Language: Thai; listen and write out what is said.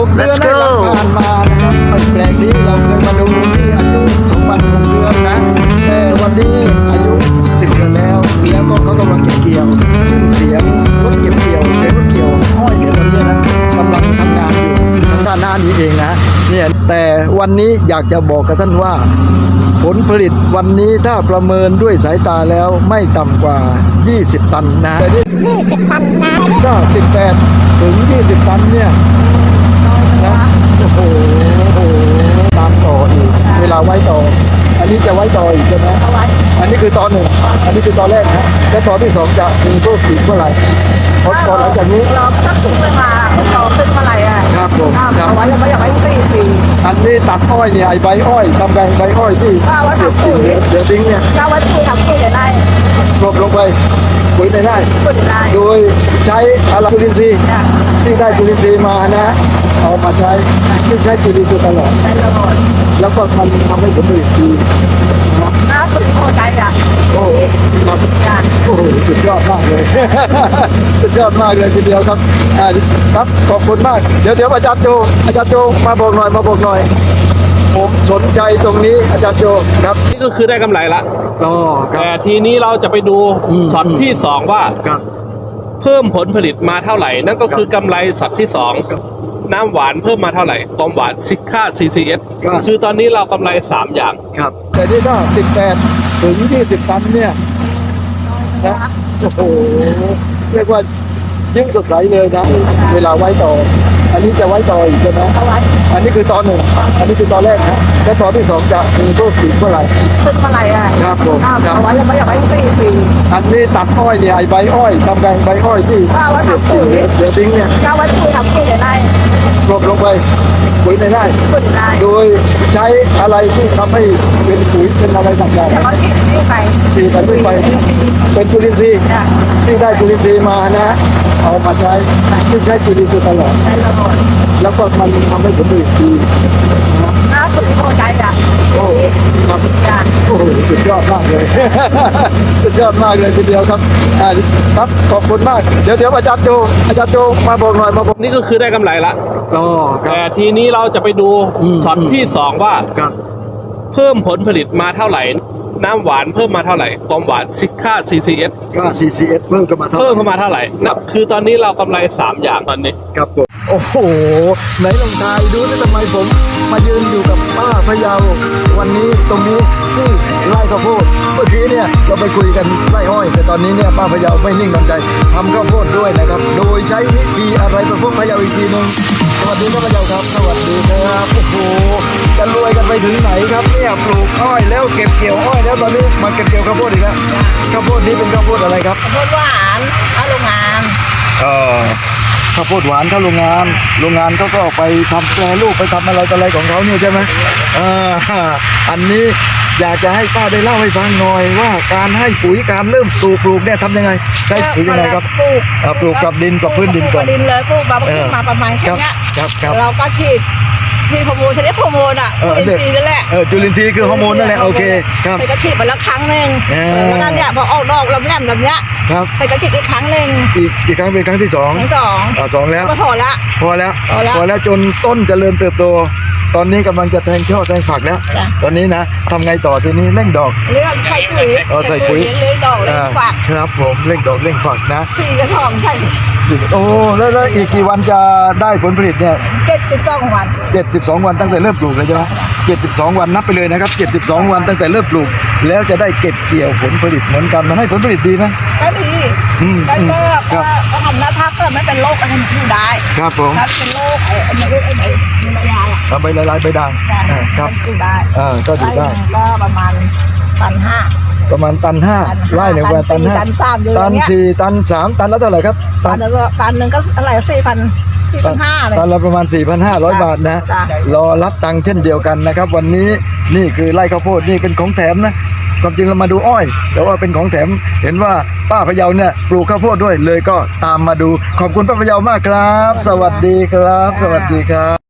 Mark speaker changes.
Speaker 1: 6 เดือนได้รับผ่านมานะครับแปลงนี้เราเคยมาดูที่อายุ2 วัน 6 เดือนนะแต่วันนี้อายุ10 เดือนแล้วก็เขากำลังเก็บเกี่ยวซึ่งเสียงรถเก็บเกี่ยวเสียงรถเกี่ยวอ้อยเนี่ยตอนนี้นะกำลังทำงานอยู่ทางด้านหน้านี้เองนะเนี่ยแต่วันนี้อยากจะบอกกับท่านว่าผลผลิตวันนี้ถ้าประเมินด้วยสายตาแล้วไม่ต่ำกว่า20 ตันนะ20 ตันนะก็18 ถึง 20 ตันเนี่ยนะโอ้โหตามต่ออีกเวลาไว้ต่ออันนี้จะไว้ต่ออีกใช่ไหมอันนี้คือตอนหนึ่งอันนี้คือตอนแรกนะแล้วตอนที่สองจะมีเพิ่มอีกเมื่อไหร่พอหลังจากนี้
Speaker 2: เราตั้งถึงเวลาต่อขึ้นเมื่อไหร่อ่ะ
Speaker 1: ครับผมครับ
Speaker 2: เอาไว้ยังไม่อยากไว้ปี
Speaker 1: อันนี้ตัดอ้อยเนี่ยไอ้ใบอ้อยทำไงใบอ้อยที่เดี๋ยวทิ้งเนี่ย
Speaker 2: เราไว้ปุ๋ยทำปุ๋ยได้
Speaker 1: กลบลงไปปุ๋ยได้ โดยใช้อะไรจุลินทรีย์ที่ได้จุลินทรีย์มานะเอามาใช้ที่ใช้จุลินทรีย์ตลอดแล้วก็มันทำให้ผลผลิตดี
Speaker 2: น้าปุ๋ยพอใจอ่ะ
Speaker 1: โอ้โหสุดยอดมากเลย สุดยอดมากเลยทีเดียวครับครับขอบคุณมากเดี๋ยวอาจารย์โจมาบอกหน่อยผมสนใจตรงนี้อาจารย์โจครับ
Speaker 3: นี่ก็คือได้กำไรละแต่ทีนี้เราจะไปดูช็อตที่2ว่าเพิ่มผลผลิตมาเท่าไหร่นั่นก็คือกำไรช็อตที่2น้ำหวานเพิ่มมาเท่าไหร่ความหวานค่า CCS คือตอนนี้เรากำไร3อย่าง
Speaker 1: ครับแต่นี่ก็18 ถึง 20 ตันเนี่ยนะโอ้โหเรียกว่ายิ่งสดใสเลยนะเวลาไว้ต่ออันนี้จะไว้ต่ออีกใช่ไหมอันนี้คือตอนหนึ่งอันนี้คือตอนแรกนะแล้วตอนที่สองจะมีเพิ่มอีกเมื่อไหร่
Speaker 2: ขึ้นเมื่อไหร่อ่ะ
Speaker 1: ครับผม
Speaker 2: เอาไว้ยังไม่อยากไว้ปี
Speaker 1: อันนี้ตัดอ้อยเนี่ยไอ้ใบอ้อยทำไงใบอ้อยที่เดี๋ยวทิ้งเนี่ย
Speaker 2: เราไว้ปุ๋ยทำปุ๋ยได้
Speaker 1: กลบลงไปปุ๋ยได้ โดยใช้อะไรที่ทำให้เป็นปุ๋ยเป็นอะไรต่างๆฉีดไปเป็นจุลินทรีย์ที่ได้จุลินทรีย์มานะเอามาใช้ที่ใช้จุลินทรีย์ตลอดแล้วก็มันทำให้ผลผลิตดี
Speaker 2: น้าปุ๋ยพอใจอ่ะ
Speaker 1: โอ้ครับโอ้สุดยอดมากเลย สุดยอดมากเลยทีเดียวครับครับขอบคุณมากเดี๋ยวอาจารย์โจมาบอกหน่อย
Speaker 3: นี่ก็คือได้กำไรละแต่ทีนี้เราจะไปดูช็อตที่2ว่าเพิ่มผลผลิตมาเท่าไหร่น้ำหวานเพิ่มมาเท่าไหร่ความหวานค่า CCS
Speaker 1: เพิ่มเข้ามาเท่าไหร่
Speaker 3: นับคือตอนนี้เรากำไร3อย่างตอนนี้
Speaker 1: ครับผมโอ้โหไหนลองทายดูนะทำไมผมมายืนอยู่กับป้าพะเยาวันนี้ตรงนี้ที่ไร่ข้าวโพดเมื่อกี้เนี่ยเราไปคุยกันไร่อ้อยแต่ตอนนี้เนี่ยป้าพะเยาไม่นิ่งนอนใจทำข้าวโพดด้วยนะครับโดยใช้วิธีอะไรประพวกพะเยาอีกทีนึงสวัสดีครับพะเยาครับสวัสดีครับโอ้โหจะรวยกันไปถึงไหนครับเนี่ยปลูกอ้อยแล้วเก็บเกี่ยวอ้อยแล้วตอนนี้มาเก็บเกี่ยวข้าวโพดอีกแล้วข้าวโพดนี้เป็นข้าวโพดอะไรครับ
Speaker 2: ข้าวโพดหวานเข้าโรงงาน
Speaker 1: ข้าวโพดหวานเข้าโรงงานเขาก็ไปทำแปรรูปไปทำอะไรของเขาเนี่ยใช่ไหมอันนี้อยากจะให้ป้าได้เล่าให้ฟังหน่อยว่าการให้ปุ๋ยการเริ่มปลูกเนี่ยทำยังไงใช้ปุ๋ยยังไงครับปลูกกับดินกับพื้นดินก่อน
Speaker 2: ดินเลยปลูกมาขึ้นมาประมาณแค่นี้เราก็ฉีดฮอร์โมนใช้ฮอร์โมนอ่ะจุลินทรีย์นั่นแหละ
Speaker 1: จุลินทรีย์คือฮอร์โมนนั่นแหละโอเคครับ
Speaker 2: ไปก็ฉีดไปแล้วครั้งนึงแล้วนั่นเนี่ยพอออกดอกลำแหลมแบบเนี้ย
Speaker 1: ครับ
Speaker 2: ไปก็ฉีดอีกครั้งนึง
Speaker 1: อีกครั้งเป็นครั้งที่2แล้ว
Speaker 2: พอ
Speaker 1: แล้วจนต้นเจริญเติบโตตอนนี้กำลังจะแทงช่อแทงฝักแล้วตอนนี้นะทำไงต่อทีนี้เร่งดอก
Speaker 2: ใส่ปุ๋ย
Speaker 1: ใส่ปุ๋ย
Speaker 2: เร่งดอกเร่งฝัก
Speaker 1: ครับผมเร่งดอกเร่งฝักนะ
Speaker 2: 4 กระถางใส่
Speaker 1: โอ้แล้วอีกกี่วันจะได้ผลผลิตเนี่ย
Speaker 2: 72 วัน
Speaker 1: 72 วันตั้งแต่เริ่มปลูกเลยใช่ไหม72 วันนับไปเลยนะครับ72 วันตั้งแต่เริ่มปลูกแล้วจะได้เก็บเกี่ยวผลผลิตเหมือนกันมันให้ผลผลิตดีไหม
Speaker 2: ก็ดีก็ทำหน้าทับก็ไม่เป็นโรคอะไรอยู่ได้
Speaker 1: ครับผม
Speaker 2: ถ้าเป็นโรคไอ้ใบลาย
Speaker 1: ทำใบลายใบด่าง
Speaker 2: ครับอยู่ได้
Speaker 1: ก็อยู่ได้
Speaker 2: ก็ประมาณ1.5 ตัน
Speaker 1: ตัน 5ไร่หนึ่งวันตัน 5ตัน 4ตัน 3ตันแล้วเท่าไหร่ครับ
Speaker 2: ตันหนึ่งก็อะไร4,500เลย
Speaker 1: ตันละประมาณ 4,500 บาทนะรอรับตังค์เช่นเดียวกันนะครับวันนี้นี่คือไร่ข้าวโพดนี่เป็นของแถมนะความจริงเรามาดูอ้อยแต่ว่าเป็นของแถมเห็นว่าป้าพะเยาเนี่ยปลูกข้าวโพดด้วยเลยก็ตามมาดูขอบคุณป้าพะเยามากครับสวัสดีครับสวัสดีครับ